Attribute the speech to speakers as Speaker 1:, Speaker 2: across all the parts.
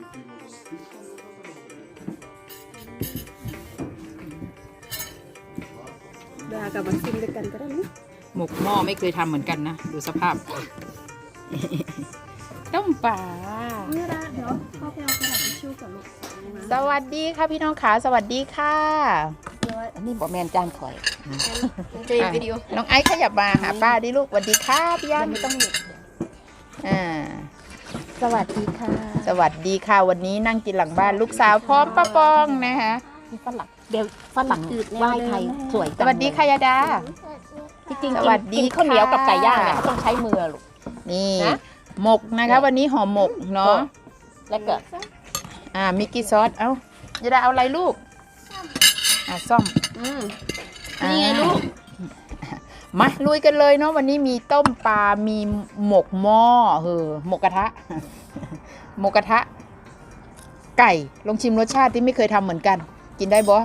Speaker 1: ดากับมันซิมด้วยกันก็ได้นะ
Speaker 2: หมกหม้อไม่เคยทำเหมือนกันนะดูสภาพ ต้มปลา
Speaker 1: นี่ละเดี๋ยวพ่อไปเอากระดาษทิชชู่กับลูก
Speaker 2: สวัสดีค่ะพี่น้องขาสวัสดีค่ะ
Speaker 1: เดี๋ยว
Speaker 2: อันนี้บอกแมนจานข่อย
Speaker 1: เจอวิดีโอ
Speaker 2: น้องไอซ์ขยับมาหาป้าดิลูกสวัสดีค่ะพี่ยัน
Speaker 1: ไม่ต้องหยุด
Speaker 2: สวัสดีค่ะ สวัสดีค่ะวันนี้นั่งกินหลังบ้านลูกสาวพร้อมป้าปองนะคะ
Speaker 3: มีฝรั่งเดี๋ยวฝรั่งไหว้ไทยสวย
Speaker 2: สวัสดีค่ะยาดา
Speaker 3: จริงๆ
Speaker 2: สวัสดี
Speaker 3: กินข้าวเหนียวกับ
Speaker 2: ค่ะ
Speaker 3: ไก่ย่างเนี่ยเขาต้องใช้มือลูก
Speaker 2: นี่
Speaker 3: นะ
Speaker 2: หมกนะคะวันนี้ห่อหมกเนาะ
Speaker 3: แล้วก็
Speaker 2: มิกกี้ซอสเอ้ายาดาเอาอะไรลูกส้ม
Speaker 1: นี่ไงลูก
Speaker 2: มาลุยกันเลยเนาะวันนี้มีต้มปลา มีหมกหม้อหมกกระทะ หมกกระทะ ไก่ลองชิมรสชาติที่ไม่เคยทำเหมือนกัน กินได้บ่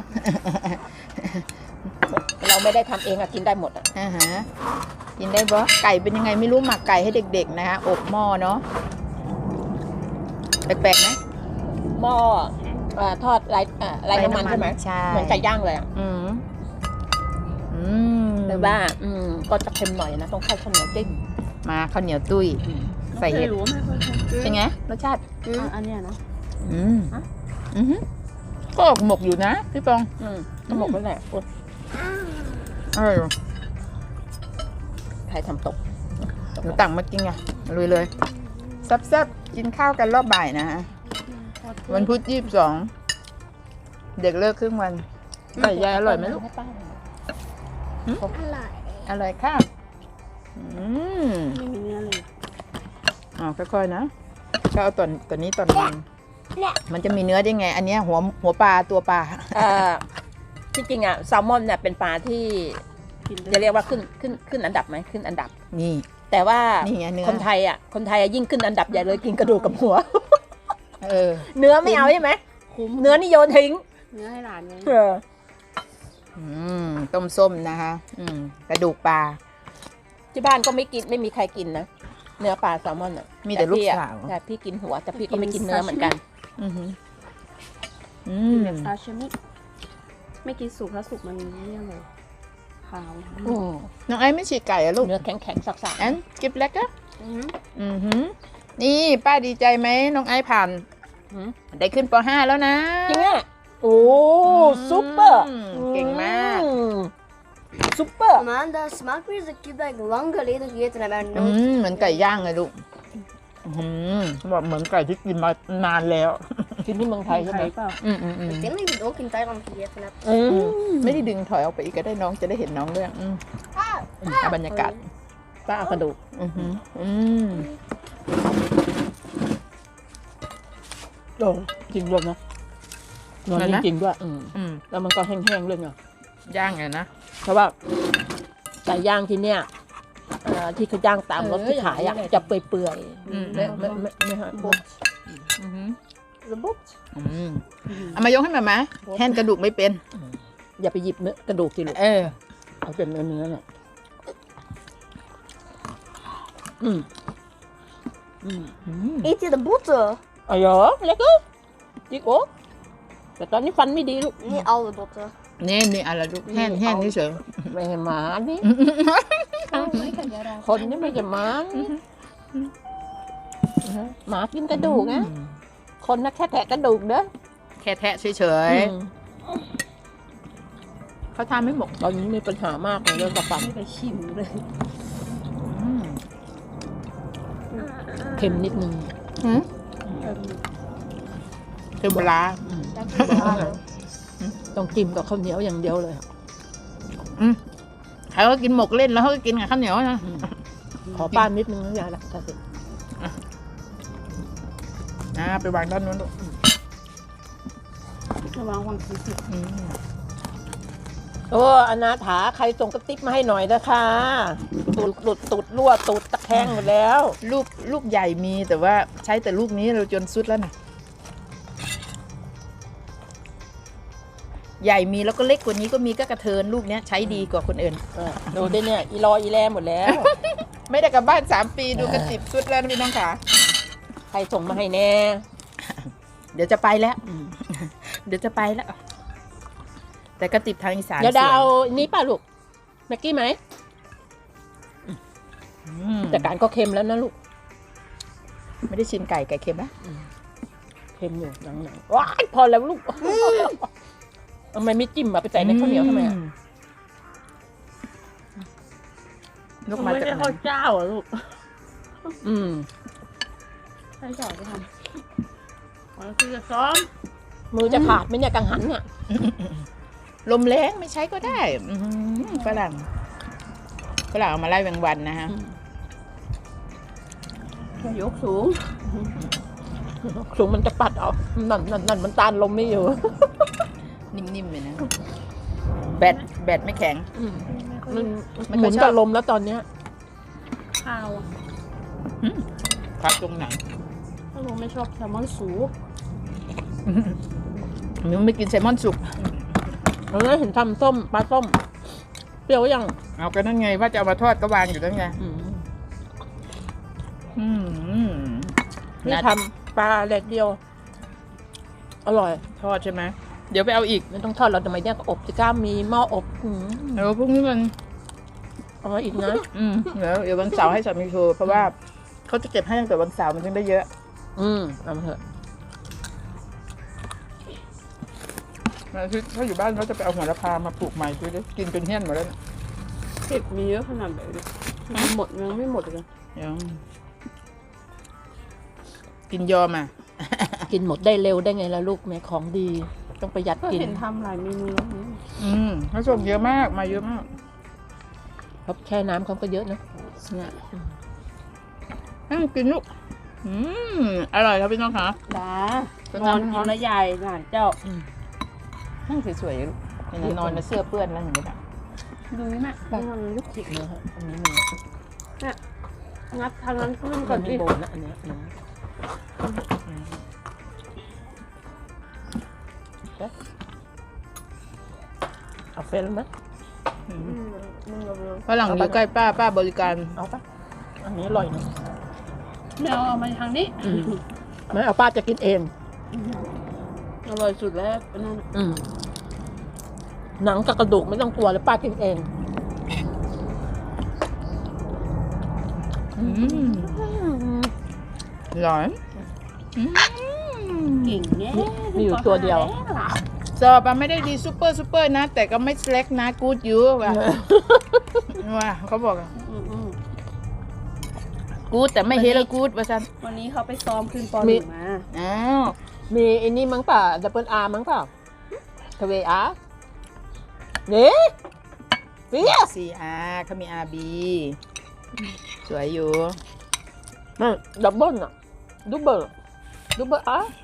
Speaker 3: เราไม่ได้ทำเองอะกินได้หมดอะ
Speaker 2: กินได้บ่ไก่เป็นยังไงไม่รู้หมักไก่ให้เด็กๆนะคะอบหม้อเนาะแปลกๆไหม
Speaker 3: หม้อทอดไร้น้ำมันใช่ไหม
Speaker 2: ใช่
Speaker 3: เหมือนไก่ย่างเลยอะ
Speaker 2: อืม
Speaker 3: แต่ว่าก็จะเค็มหน่อยนะต้องเข้าข้าวเหนียวจิ้ม
Speaker 2: มาข้าวเหนียวตุ้ยใส่เห็ด
Speaker 1: รู้ไหมคนไทย
Speaker 2: เป็นไงรสชาติ
Speaker 1: อันเนี้ยนะ
Speaker 2: ก็ออกหมกอยู่นะพี่ปอง
Speaker 3: ก็หมกไปแหละอุ๊ย ใครทำตก
Speaker 2: หนูตังมากินไงลุยเลยแซ่บๆกินข้าวกันรอบบ่ายนะฮะวันพุธ22เด็กเลิกครึ่งวันไก่ยายอร่อยไหมลูก
Speaker 3: ให้ป้าหน่อย
Speaker 2: อร่อยค่ะ
Speaker 1: ไม่มีเนื้อเลย
Speaker 2: ค่อยๆนะก็เอาตัวนี้ตอนมันจะมีเนื้อได้ไง อันเนี้ยหัวปลาตัวปลา
Speaker 3: ที่จริงอะแซลมอนเนี่ยเป็นปลาที่
Speaker 1: กิน
Speaker 3: จะเรียกว่าขึ้นอันดับไหมขึ้นอันดับ
Speaker 2: นี่
Speaker 3: แต่ว่า
Speaker 2: นี่ไงเนื้อ
Speaker 3: คนไทยยิ่งขึ้นอันดับใหญ่เลยกินกระดูกกับหัว
Speaker 2: อ
Speaker 3: เนื้อไม่เอาใช่ไหม
Speaker 1: คุ้ม
Speaker 3: เนื้อนี่โยนทิ้ง
Speaker 1: เนื้อให้หลานไง
Speaker 2: ต้มส้มนะคะกระดูกปลา
Speaker 3: ที่บ้านก็ไม่มีใครกินนะเนื้อปลาแซลมอนอ่ะ
Speaker 2: มีแต่ลูกสาว
Speaker 3: แต่พี่กินหัวแต่พี่ก็ไม่กินเนื้อเหมือนกัน
Speaker 1: แบบซาชิมิไม่กินสุกถ้าสุกมันเนี่ยเลยขาว
Speaker 2: น้องไอ้ไม่ฉีกไก่อะลูก
Speaker 3: เนื้อแข็งๆสัก
Speaker 2: อันกิบเล็กอะนี่ป้าดีใจไหมน้องไอ้ผ่านได้ขึ้นป .5 แล้วนะ
Speaker 3: จริงอ่ะโอ้ซุปเปอร์
Speaker 2: เก่งมาก
Speaker 3: ซุปเปอร์
Speaker 4: Amanda, smaken is ik heb dat lang geleden gegeten en mijn
Speaker 2: เหมือนไก่ย่างเลยลูกบอกเหมือนไก่ที่กินมานานแล้ว
Speaker 3: กินที่เมืองไทยใช่ไหม
Speaker 1: เปล่า
Speaker 4: Ik denk dat ik het ook in Thailand gegeten heb.
Speaker 2: ไม่ได้ดึงถอยออกไปอีกก็ได้น้องจะได้เห็นน้องด้วยเอาบรรยากาศ
Speaker 3: ป้าเอากระดูกโอ้จริงรวมนะนอนจริงๆด้วยแล้วมันก็แห้งๆเลยเนาะ
Speaker 2: ย่างไงนะ
Speaker 3: เพราะว่าไก่ย่างที่เนี่ยที่เขาย่างตามรถที่ขายจะเปื่อยๆไม่ฮะบุ๊บ
Speaker 4: De bot.
Speaker 2: เอามายกให้มาไหมแห้งกระดูกไม่เป็น
Speaker 3: อย่าไปหยิบเนื้อกระดูกที่ลูกเอาเป็นเนื้อเนี่ย
Speaker 4: Eet je de botten?
Speaker 3: อ๋อเหรอเล็กจิ๊กโอ้แต่ตอนนี้ฟันไม่ดีลูก
Speaker 4: Niet alle botten.
Speaker 2: นี่อะไรลูกแห้งนี่เฉย
Speaker 3: ไม่ให้หมานี่คนนี่ไม่ใช่หมาหมากินกระดูกนะคนน่ะแค่แทะกระดูกเด้อ
Speaker 2: แค่แทะเฉยๆเขาทำไม่หมก
Speaker 3: ตอนนี้มีปัญหามากเลยเรื่องกระฟัน
Speaker 1: ไม่ไปชิมเลย
Speaker 3: เค็มนิดนึง
Speaker 2: คือปลา
Speaker 3: ต้องจิ้มกับข้าวเหนียวอย่างเดียวเลย
Speaker 2: ใครก็กินหมกเล่นแล้วเขาก็กินกับข้าวเหนียวนะ
Speaker 3: ขอป้านนิดนึงนะยายละถ้าเสร็จ
Speaker 2: ไปวางด้านนู้นลูก
Speaker 1: ระวังวางสีสิ
Speaker 3: โอ้อนาถาใครส่งกระติกมาให้หน่อยนะคะตูดหลุดตูดรั่วตูดตะแคงหมดแล้ว
Speaker 2: ลูกใหญ่มีแต่ว่าใช้แต่ลูกนี้เราจนสุดแล้วนะใหญ่มีแล้วก็เล็กกว่านี้ก็มีก็กระเทินลูกเนี้ยใช้ดีกว่าคนอื่น
Speaker 3: ดูดิเนี่ยอีรออีแลหมดแล้ว
Speaker 2: ไม่ได้กลับบ้าน3 ปีดูกระติบสุดแล้วนะพี่น้องขา
Speaker 3: ใครส่งมาให้แน่
Speaker 2: เดี๋ยวจะไปแล้ว
Speaker 3: อืม
Speaker 2: เดี๋ยวจะไปแล้ว แต่ก็ติดทางอีสาน
Speaker 3: เดี๋ยวดา
Speaker 2: ส
Speaker 3: เอานี้ป่ะลูกแม็กกี้ไหม
Speaker 2: อืม
Speaker 3: แต่การก็เค็มแล้วนะลูก
Speaker 2: ไม่ได้ชิมไก่เค็มนะ
Speaker 3: เค็มอยู่หนังๆว้ายพอแล้วลูกทำไมไม่จิ้มอะไปใส่ในข้าวเหนียวทำไมอะ
Speaker 2: ลูกมา
Speaker 1: ไม่
Speaker 2: จาก
Speaker 1: ใช่
Speaker 2: ไหน
Speaker 1: ข้าวเจ้าอ่ะลูก
Speaker 3: อืม
Speaker 1: ใช่เจ้าจะทำมันคือจะซ้อม
Speaker 3: มือจะขาดไหมเนี่ยกังหันเนี่ย
Speaker 2: ลมแรงไม่ใช้ก็ได้อื้อหือฝรั่งเอามาไล่แมงวันนะฮะ
Speaker 1: ยกสูง
Speaker 3: สูงมันจะปัดเอานั่นมันต้านลมไม่อยู่
Speaker 2: นิ่มๆเลยนะ แบตไม่แข็ง
Speaker 3: มัน
Speaker 2: ไม่
Speaker 3: ห
Speaker 2: ค่
Speaker 3: มุ
Speaker 2: อย
Speaker 3: น
Speaker 2: ชอบ
Speaker 3: กับลมแล้วตอนเนี้ย
Speaker 1: ข้าวอะ
Speaker 2: พักตรงไหน
Speaker 1: ถ้าลุงไม่ชอบแซลมอนสูง
Speaker 2: มึงไม่กินแซลมอนสุก
Speaker 3: เราได้เห็นทำส้มปลาส้มเปรี้ยวยัง
Speaker 2: เอาก็นั่นไงว่าจะเอามาทอดก็วางอยู่นั่นไง อืม
Speaker 3: นี่
Speaker 2: นัด
Speaker 3: ทำปลาแดดเดียว อร่อย
Speaker 2: ทอดใช่ไหมเดี๋ยวไปเอาอีก
Speaker 3: ไม่ต้องทอดเราทำไมเนี่ยก็อบสิก้ามีหม้ออบ
Speaker 2: เดี๋ยวพรุ่งนี้มัน
Speaker 3: เอามาอีกนะ
Speaker 2: เดี๋ยววันเสาร์ให้สามีโทรเพราะว่าเขาจะเก็บให้ตั้งแต่วันเสาร์มันจึงได้เยอะ
Speaker 3: เอามาเถอะ
Speaker 2: ถ้าอยู่บ้านเขาจะไปเอาหัวละพามาปลูกใหม่ดูดิกินจนเหี้ยนหมดแล้วเนี่ย
Speaker 1: เผ็ดมีเยอะขนาดไหนเนี่ยมันหมดยังไม่หมดเลย
Speaker 2: เดี๋ยวกินยอมอ่ะ
Speaker 3: กินหมดได้เร็วได้ไงล่ะลูกแม่ของดี ต้องประหยัด
Speaker 1: ก็
Speaker 3: กิน
Speaker 1: เห็นทำหลายเมนูแล้วนี่
Speaker 2: เขาส่งเยอะมากมาเยอะมาก
Speaker 3: เพราะแช่น้ำเขาก็เยอะนะ
Speaker 2: เนี่ยกินลูกอร่อยครับพี่น้องคะ
Speaker 1: ดานอนกินแล้วใหญ่หลานเจ้า
Speaker 2: นั่งสวยๆลูกเห็นไหมนอนในเสื้อเปื้อนแล้วเห็นไหม
Speaker 1: ดูนี่แม่มันยุก
Speaker 3: จิกเนื้อฮะอันนี้มี
Speaker 1: งัดทางนั้นขึ้น
Speaker 3: ก่
Speaker 1: ก่
Speaker 3: อ
Speaker 1: อน น
Speaker 3: มี
Speaker 1: ดิ
Speaker 3: โบนนะอันเนี้ยเอาเฟรนไหม
Speaker 2: ฝรั่งอยู่ใกล้ป้าบริการ
Speaker 3: เอาปะอันนี้อร่อยนะ
Speaker 1: ไม่เอามาทางนี้
Speaker 3: ไม่เอาป้าจะกินเอง
Speaker 1: อร่อยสุดแล้วนั่น
Speaker 3: หนังกับกระดูกไม่ต้องกลัวเลยป้ากินเอง
Speaker 2: ร้อน
Speaker 1: เก่งแน่
Speaker 3: มีอยู่ตัวเดียว
Speaker 2: สอบอะไม่ได้ดีซูเปอร์นะ แต่ก็ไม่เล็กนะกูดยูว่ะว่าเขาบอกกูดแต่ไม่เฮลกูดว่าซัน
Speaker 1: วันนี้เขาไปซ้อมขึ้นปหนึ่งมา
Speaker 2: อ้าว
Speaker 3: มีไอ้นี่มั้งป่ะดับเบิลอาร์มั้งป่ะทเวอาร์นี่เฟียส
Speaker 2: CR เขามี RB สวยอยู่
Speaker 3: นั่นดับเบิลอะดับเบิลอาร์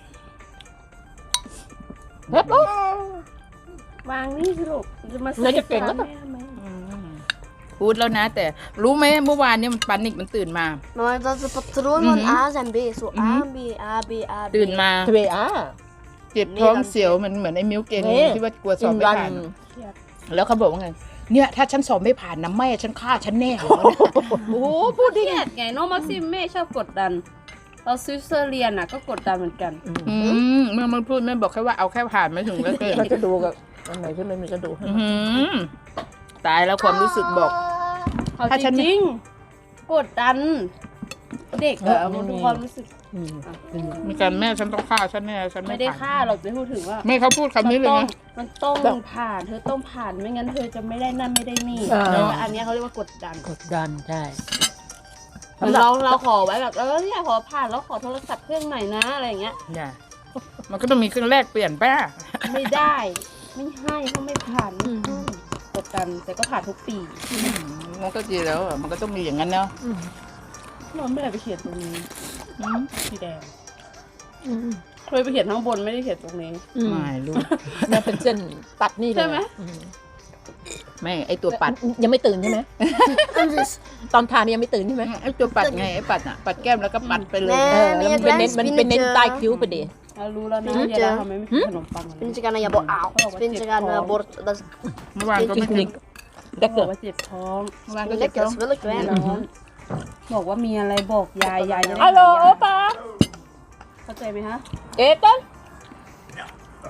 Speaker 3: เฮ้ย
Speaker 1: วางนี่สิลูกจะมา
Speaker 3: น่าจะเก่งแล้ว
Speaker 1: แม่ทำไม
Speaker 2: พูดแล้วนะ แต่รู้ไหมเมื่อวานเนี่ยมันปานิกมันตื่นมา
Speaker 4: Maar dat is het patroon van A en B. Zo A, B, A, B, A, B.
Speaker 2: ตื่นมา
Speaker 3: ทเวอาร์
Speaker 2: เจ็บท้องเสียวมันเหมือนไอ้มิวเกน
Speaker 3: เอ๊ะ
Speaker 2: ที่ว่ากลัวสอบไม่ผ่าน
Speaker 1: เครียด
Speaker 2: แล้วเขาบอกว่าไง เนี่ยถ้าฉันสอบไม่ผ่านนะแม่ฉันฆ่าฉันแน่เหรอโอ้โหพูด
Speaker 1: เครียดไงน้องมักซิมแม่ชอบกดดันเราซื้อเสื้อเรียนอ่ะก็กดดันเหมือนกัน
Speaker 2: เมื่อมันพูดแม่บอกแค่ว่าเอาแค่ผ่านไม่ถึงก็เกิน
Speaker 3: ก็จะดูกับอันไหนที่ไม่มีก็ดูให้
Speaker 2: ตายแล้วความรู้สึกบอก
Speaker 1: เขา
Speaker 2: ถ้าฉัน
Speaker 1: จริงๆกดดัน เด็กอะมันดูความรู้สึก
Speaker 2: มีการแม่ฉันต้องฆ่าฉันแน่ฉัน
Speaker 1: ไม่
Speaker 2: ไม่
Speaker 1: ได้
Speaker 2: ผ่าน
Speaker 1: ฆ่าเราจะพูดถึงว่า
Speaker 2: แม่เขาพูดคำนี้เลยนะ
Speaker 1: มันต้องผ่านเธอต้องผ่านไม่งั้นเธอจะไม่ได้นั่นไม่ได้นี่แล้วอันเนี้ยเขาเรียกว่ากดดัน
Speaker 3: กดดันใช่
Speaker 1: เราขอไว้แบบเนี่ยขอผ่านแล้วขอโทรศัพท์เครื่องใหม่นะอะไรอย่างเงี้ย
Speaker 2: อย่ามันก็ต้องมีเครื่องแรกเปลี่ยนป้า
Speaker 1: ไม่ได้ไม่ให้ถ้าไม่ผ่านไม่ให้กดดันแต่ก็ผ่านทุกปี
Speaker 2: มันก็ดีแล้วอะมันก็ต้องมีอย่างนั้นเนาะ
Speaker 1: เราไม่ได้ไปเขียนตรงนี้สีแดงเคยไปเขียนข้างบนไม่ได้เขียนตรงนี้
Speaker 2: ไม่รู้
Speaker 3: แม่เป็นเส้นตัดนี่เลย
Speaker 1: ใช่ไหม
Speaker 2: แม่ไอตัวปัด
Speaker 3: ยังไม่ตื่นใช่ไหม
Speaker 4: En dus,
Speaker 3: ตอนทานยังไม่ตื่นใช่ไหม
Speaker 2: ไอตัวปัดไงไอปัดอ่ะปัดแก้มแล้วก็ปัดไปเลย
Speaker 4: Nee.
Speaker 3: แล้วมันเป็นเน้นใต้คิ้วไปดิ
Speaker 1: เรารู้แล้วนะยาดาทำไมไม่กินขนมปัง
Speaker 4: spinnetje gaan naar je bord. Auw, spinnetje gaan naar je bord. Dat is
Speaker 2: เมื่อวานก็ไม่กิน
Speaker 3: ได้
Speaker 1: บ
Speaker 3: เกิ
Speaker 1: อ
Speaker 3: ด
Speaker 1: กว่าเจ็บท้อง
Speaker 2: เมื่อวานก็จะ
Speaker 4: lekker,
Speaker 2: ต้อง
Speaker 4: dat is wel lekker.
Speaker 1: ร้อนบอกว่ามีอะไรบอกยายจะได้
Speaker 3: ฮัลโหล
Speaker 1: หายา
Speaker 3: ป้า
Speaker 1: เข้าใจไหมฮะ
Speaker 3: เอ๊ะต้น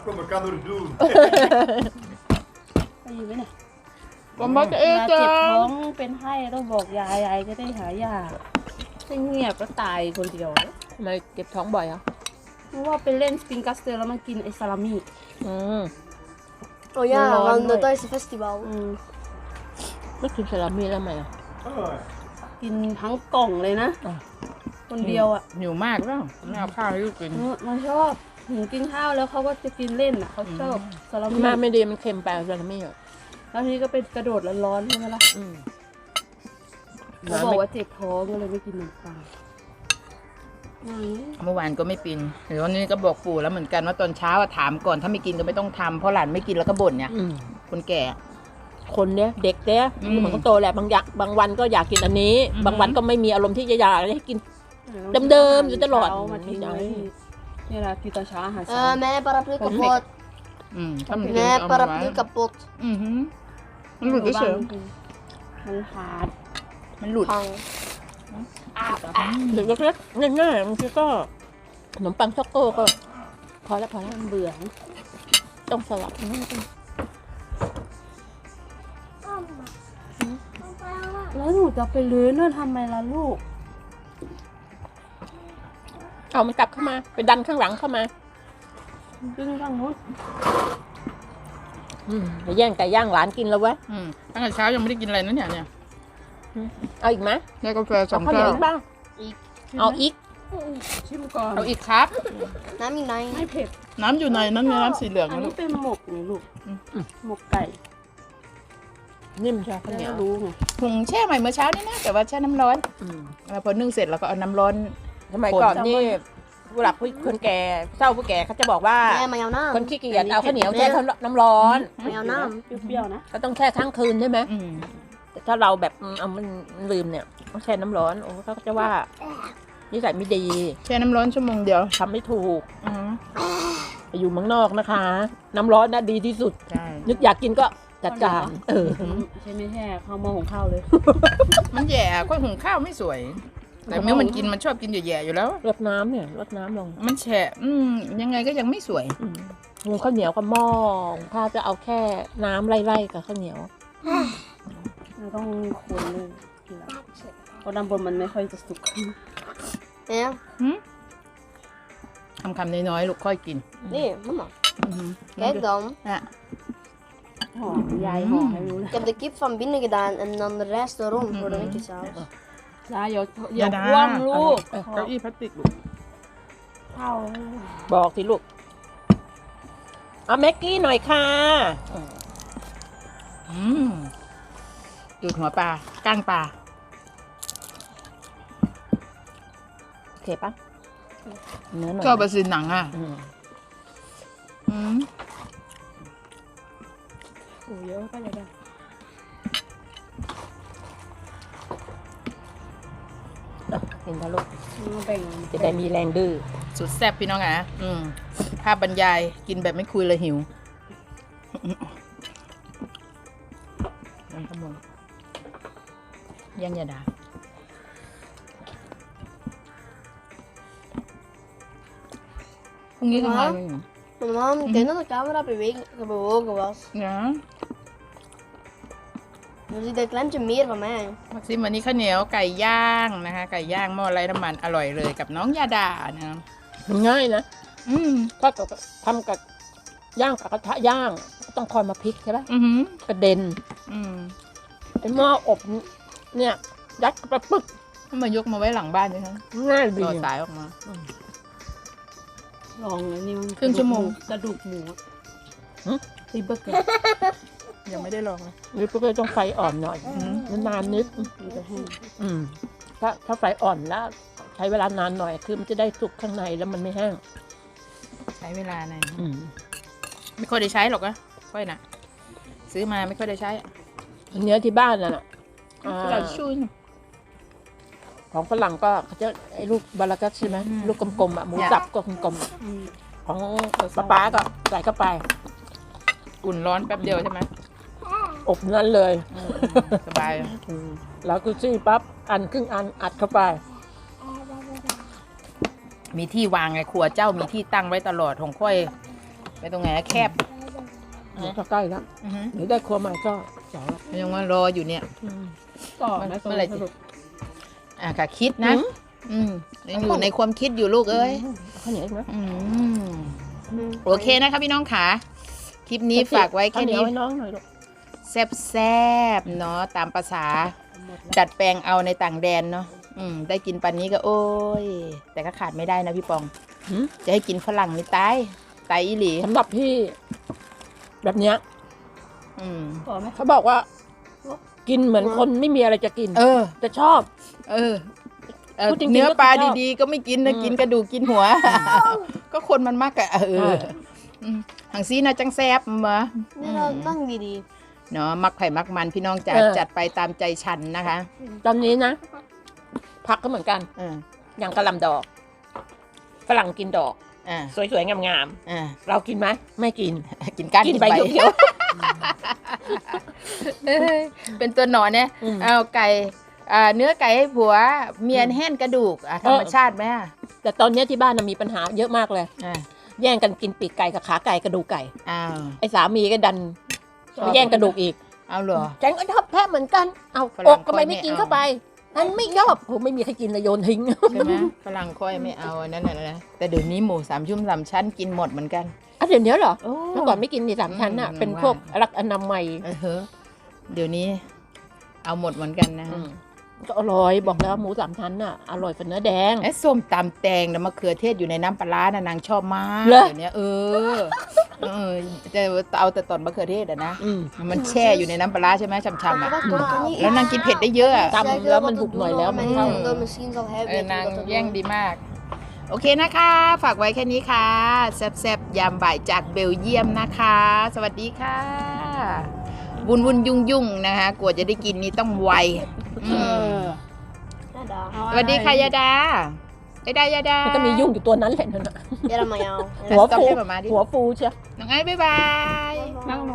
Speaker 5: kom, wat kan er doen?
Speaker 1: ไปอยู่ไหมเนี่ย
Speaker 2: ผมบอก
Speaker 1: เว
Speaker 2: เอ๊ะ
Speaker 1: ลา
Speaker 2: จ้า
Speaker 1: เจ็บท้องเป็นไข้ต้องบอกยายยายจะได้หายาถ้าเงียบก็ตายคนเดียว
Speaker 3: ทำไมเก็บท้องบ่อยอ่ะ
Speaker 1: เพราะว่าไปเล่นสปริงกัสเตอร์แล้วมันกินไอ้ซาลามี่
Speaker 3: อืม
Speaker 4: Oh ja,
Speaker 1: Rollen,
Speaker 4: van
Speaker 1: nee.
Speaker 4: het Thaise festival.
Speaker 3: ไม่กินซาลามี่แล้วไหมอ่ะ
Speaker 5: Ah,
Speaker 1: กินทั้งกล่องเลยนะ
Speaker 3: อ่ะ
Speaker 1: คนเดียวอ่ะ
Speaker 2: หิวมากแล้วไม่เอาข้าวให้ลูกกิน
Speaker 1: มันชอบหนูกินข้าวแล้วเขาก็จะกินเล่นอ่ะเขาชอบซาลามี่
Speaker 3: แม่ไม่ดีมันเค็มไปซาลามี่อ่ะ
Speaker 1: แล้วทีนี้ก็เป็นกระโดดร้อนๆใช่ไหมล่ะ
Speaker 3: อืม
Speaker 1: เขาบอกว่าเจ็บท้องก็เลยไม่กินขนมปัง
Speaker 2: เมื่อวานก็ไม่กินเดี๋ยววันนี้ก็บอกปู่แล้วเหมือนกันว่าตอนเช้าอะถามก่อนถ้าไม่กินก็ไม่ต้องทำเพราะหลานไม่กินแล้วก็บ่นเนี่ย
Speaker 3: อืม
Speaker 2: คนแก่
Speaker 3: คนเนี้ยเด็กเนี้ย
Speaker 2: อืม
Speaker 3: เหมือนคนโตแหละบางวันก็อยากกินอันนี้
Speaker 2: อืม
Speaker 3: บางวันก็ไม่มีอารมณ์ที่จะอยากให้กิน เดิมๆอยู่ตลอด
Speaker 1: เช้ามาทิ้งไว้นี่แหละกินตอนเช้าอาหารเช้า
Speaker 4: Mijn paraplu
Speaker 1: Perfect.
Speaker 4: kapot.
Speaker 2: ถ้ามันกิน
Speaker 4: Mijn
Speaker 2: เอามาไว้
Speaker 4: paraplu kapot.
Speaker 2: อือหือมันหลุดเฉย
Speaker 1: มันขาด
Speaker 2: ๆมันหลุด
Speaker 4: Hang.
Speaker 3: เด็กเล็กๆง่ายๆบางทีก็ขนมปังช็อกโก้ก็พอแล้ว
Speaker 1: มันเบื่อ
Speaker 3: ต้องสลับ
Speaker 1: แล้วหนูจะไปลื้อนั่นทำไมล่ะลูก
Speaker 3: เอามันกลับเข้ามาไปดันข้างหลังเข้ามา
Speaker 1: ดึงทางนู้น
Speaker 3: ไปแย่งไก่ย่างหลานกินแล้วเว้ย
Speaker 2: ตั้งแต่เช้ายังไม่ได้กินอะไรนะเนี่ย
Speaker 3: เอาอีกไหม
Speaker 2: ได้กาแฟส
Speaker 3: เอา
Speaker 2: อง
Speaker 3: ข้าวเหนี
Speaker 2: แก้
Speaker 3: ยว
Speaker 2: ว
Speaker 3: อีกบ้างเอาอีก
Speaker 1: ชิมก่อน
Speaker 2: เอาอีกครับ
Speaker 4: Nami
Speaker 1: ไม่
Speaker 4: nine.
Speaker 1: เผ็ด
Speaker 2: น้ำอยู่ในนั้นไงน้ำสีเหลือง
Speaker 1: อัน
Speaker 2: นะลู
Speaker 1: นี้
Speaker 2: ก
Speaker 1: เป็นหมกนี่ลูก หมกไก่
Speaker 3: นิ่มใช่ข้าวเหนียว
Speaker 1: ไม่รู้ไง
Speaker 2: หุงแช่ใหม่เมื่อเช้านี่นะแต่ว่าแช่น้ำร้อน
Speaker 3: อืม
Speaker 2: พอนึ่งเสร็จแล้วก็เอาน้ำร้อน
Speaker 3: สมัยก่อนนี่ผู้หลักผู้คนแก่เฒ่าผู้แก่เขาจะบอกว่า
Speaker 4: Nee, maar jouw
Speaker 3: คน
Speaker 4: naam.
Speaker 3: ขี้เกียจเอาข้าวเหนียวแช่น้ำร้อน
Speaker 4: Maar jouw naam.
Speaker 1: เปรี้ยวๆนะ
Speaker 3: ก็ต้องแช่ทั้งคืนใช่ไหม
Speaker 2: อืม
Speaker 3: แต่ถ้าเราแบบเอามันลืมเนี่ยต้องแช่น้ำร้อนโอ้เขาก็จะว่านิสัยไม่ดี
Speaker 2: แช่น้ำร้อนชั่วโมงเดียว
Speaker 3: ทำไม่ถูก
Speaker 2: อืม
Speaker 3: ไปอยู่เมืองนอกนะคะ น้ำร้อนน่ะดีที่สุด
Speaker 2: ใช่
Speaker 3: นึกอยากกินก็จัดการเออ
Speaker 1: ใช่ไม่แช่ข้าวหม้อหุงข้าวเลย
Speaker 2: มันแย่ค่อยหุงข้าวไม่สวย แต่เมื่อมันกินมันชอบกินแย่ๆอยู่แล้ว
Speaker 3: รดน้ำเนี่ยรดน้ำลง
Speaker 2: มันแฉะยังไงก็ยังไม่สวย
Speaker 3: หุงข้าวเหนียวกับหม้อถ้าจะเอาแค่น้ำไล่ๆกับข้าวเหนียว
Speaker 1: เราต้องคนเลยทีหลังเพราะด้านบนมันไม่ค่อยจะสุก
Speaker 4: Ja.
Speaker 2: คำน้อยๆลูกค่อยกิน
Speaker 4: Nee, mama.
Speaker 2: อือหือ
Speaker 4: Kijk dan.
Speaker 2: อ่ะ
Speaker 1: หอมยายหอมให้รู้เลย
Speaker 4: Ik heb de kip van binnen gedaan en dan de rest erom voor de witjesaus.
Speaker 1: ยายอย่าคว่ำลูก
Speaker 2: เก้าอี้พลาสติกลูก
Speaker 1: ข้าว
Speaker 3: บอกสิลูกเอาแม็กกี้หน่อยค่ะ
Speaker 2: ดูดหัวปลาก้างปลา
Speaker 3: โอเคปะเนื้อหน่อย
Speaker 2: ชอบไปซื้อหนังอ่ะ
Speaker 3: อืม
Speaker 2: อืม
Speaker 1: โอ้เยอะก็เลยได้
Speaker 3: เห็นปะลูก
Speaker 1: แบ่ง
Speaker 3: จะได้มีแรงดื้อ
Speaker 2: สุดแซ่บพี่น้องอ่ะภาพบรรยายกินแบบไม่คุยเลยหิวยังขโมยยังอย่าด่าพรุ่งนี้ทำงานไหมหนู
Speaker 4: Mama, ik denk dat de camera bewogen was.
Speaker 2: นะ
Speaker 4: Nu ziet dat klempje meer van mij.
Speaker 2: มักซิมวันนี้ข้าวเหนียวไก่ย่างนะคะไก่ย่างหม้อไร้น้ำมันอร่อยเลยกับน้องยาดานะ
Speaker 3: มันง่ายนะ
Speaker 2: อืม
Speaker 3: ถ้ากับทำกับย่างกับกระทะย่างต้องคอยมาพลิกใช่ปะ
Speaker 2: อือหือก
Speaker 3: ระเด็น
Speaker 2: อืม
Speaker 3: ไอ้หม้ออบเนี่ยยัดไปปึ๊ก
Speaker 2: ให้มายกมาไว้หลังบ้านด้วยนะ
Speaker 3: ง่ายดี
Speaker 2: ต่อสายออกมา
Speaker 1: ลองเลยนี่มัน
Speaker 2: ครึ่งชั่วโมง
Speaker 1: กระดูกหมูตีเบอร์เกอร์
Speaker 2: ยังไม่ได้ลองเลย
Speaker 3: นี่ก็ต้องไฟอ่อนหน่อยนานนิด
Speaker 1: มันจะแห้ง
Speaker 3: ถ้าไฟอ่อนแล้วใช้เวลานานหน่อยคือมันจะได้สุกข้างในแล้วมันไม่แห้ง
Speaker 2: ใช้เวลาหน่อยไม่ค่อยได้ใช้หรอกนะค่อยนะซื้อมาไม่ค่อยได้ใช้
Speaker 3: เนื้อที่บ้านน่ะอ่า
Speaker 2: เราชุ่น
Speaker 3: ของฝรั่งก็เขาจะไอ้ลูกบารากัสใช่ไหมลูกกลมๆอ่ะหมูสับก็กลมๆของป้าก็ใส่เข้าไป
Speaker 2: อุ่นร้อนแป๊บเดียวใช่ไหม
Speaker 3: อบนั้นเลย
Speaker 2: สบาย
Speaker 3: แล้วกุซี่ปั๊บอันครึ่งอันอัดเข้าไป
Speaker 2: มีที่วางไงครัวเจ้ามีที่ตั้งไว้ตลอดของค่อยไปตรงไหนนะแคบ
Speaker 3: ก็ใกล้แล้ว
Speaker 2: อือฮึ
Speaker 3: เดี๋ยวได้ครัวใหม่ก็สองแล้ว
Speaker 2: ยังว่ารออยู่เนี่ย
Speaker 1: ก่อน
Speaker 2: เมื่
Speaker 1: นะ
Speaker 2: อไหร่จะ ค่ะคิดนะ ยังอยู่ในความคิดอยู่ลูกเอ้ย
Speaker 3: ข้าวเหนียวอีกไหม
Speaker 2: โอเคนะคะพี่น้องค่ะคลิปนี้ฝากไว้แค่นี้
Speaker 3: ข้าวเหยวให้น้องหน่อยลูก
Speaker 2: แซบๆเนาะตามภาษาดัดแปลงเอาในต่างแดนเนาะได้กินปันนี้ก็โอ้ย แต่ก็ขาดไม่ได้นะพี่ปอง
Speaker 3: หืม
Speaker 2: จะให้กินฝรั่งนี่ตายอีหลี
Speaker 3: สำหรับพี่ แบบเนี้ย
Speaker 2: อืม
Speaker 1: ก่อนไหม
Speaker 3: เขาบอกว่า กินเหมือนคนไม่มีอะไรจะกิน
Speaker 2: เออ
Speaker 3: แต่ชอบ
Speaker 2: เออ
Speaker 3: พูดจริงๆ
Speaker 2: เนื้อปลา
Speaker 3: ก็ชอบ
Speaker 2: ดีๆ ก็ไม่กินนะกินกระดูกกินหัว ก็คนมันมากอะหังซีนะจังแซบมา
Speaker 4: นี่เราตั้งดี
Speaker 2: เนาะมักไผ่มักมันพี่น้องจัด
Speaker 3: เออ
Speaker 2: จัดไปตามใจฉันนะคะ
Speaker 3: ตอนนี้นะผักก็เหมือนกัน อย่างกระหลำดอก ฝรั่งกินดอก สวยๆ งาม ๆ เรากินไหมไม่กิน
Speaker 2: กินก้าน
Speaker 3: กินใบเขียว
Speaker 2: เอ้ยเป็นตัวหนอนเนี่ย
Speaker 3: อืม
Speaker 2: เอาไก่เนื้อไก่ให้ผัวเมียนแห้นกระดูกธรรมชาติไหมอ่ะ
Speaker 3: แต่ตอนเนี้ยที่บ้านน่ะมีปัญหาเยอะมากเลย
Speaker 2: อ่า
Speaker 3: แย่งกันกินปีกไก่กับขาไก่กระดูกไก่
Speaker 2: อ้าว
Speaker 3: ไอ้สามีก็ดันมาแย่งกระดูกอีก
Speaker 2: เอาเหรอ
Speaker 3: ฉันก็ชอบแท้เหมือนกัน เอา
Speaker 2: ฝรั่
Speaker 3: อง กทำไมไม่กิน
Speaker 2: ไม่เอา
Speaker 3: เข้าไปฉันไม่ชอบผมไม่มีใครกินเลยโยนทิ้ง
Speaker 2: ใช่ไหมฝรั่งค่อยไม่เอาอันนั่นน่ะนะแต่เดี๋ยวนี้หมู3 ชุ่ม 3 ชั้นกินหมดเหมือนกัน
Speaker 3: อ่ะเดี๋ยวนี้เหรอ
Speaker 2: โอ้
Speaker 3: เมื่อก่อนไม่กินนี่3 ชั้นน่ะ
Speaker 2: อืม
Speaker 3: เป็นพวกรักอนามัย
Speaker 2: เดี๋ยวนี้ เอาหมดเหมือนกันนะ
Speaker 3: ก็อร่อยบอกแล้วหมู3 ชั้นน่ะอร่อยฝันเนื้อแดง
Speaker 2: ไอ้ส้มตำแตงนะมะเขือเทศอยู่ในน้ำปลาร้านะนางชอบมาก
Speaker 3: เหรอ
Speaker 2: เดี๋ยวนี้จะเอาแต่ตอนมะเขือเทศอะนะ
Speaker 3: อืม
Speaker 2: มันแช่อยู่ในน้ำปลาร้าใช่ไหมช่ำๆอ่ะ
Speaker 4: ๆ
Speaker 2: แล้วนางกินเผ็ดได้เยอะอะ
Speaker 3: ตำแล้วมันบุกหน่อยแล้วมันเข้า
Speaker 4: misschien zal hij
Speaker 2: นาง
Speaker 4: weten wat
Speaker 2: แย่ง
Speaker 4: er
Speaker 2: ดีมาก โอเคนะคะ ฝากไว้แค่นี้ค่ะ แซ่บๆ ยามบ่ายจากเบลเยียมนะคะ สวัสดีค่ะ วุ่นยุ่งนะคะกว่าจะได้กินนี่ต้องไวอืม
Speaker 4: Nada.
Speaker 2: สวัสดีค่ะยาดา ยาดา
Speaker 3: มันก็มียุ่งอยู่ตัวนั้นแหละนั่นน่ะ
Speaker 4: Ja, dat mag jou.
Speaker 3: หัว
Speaker 2: ต้อง
Speaker 3: ฟู
Speaker 2: ให้ประมาณนี้
Speaker 3: หัวฟูเชียว
Speaker 2: น้องไอ้บ๊ายบาย
Speaker 1: นั่งลง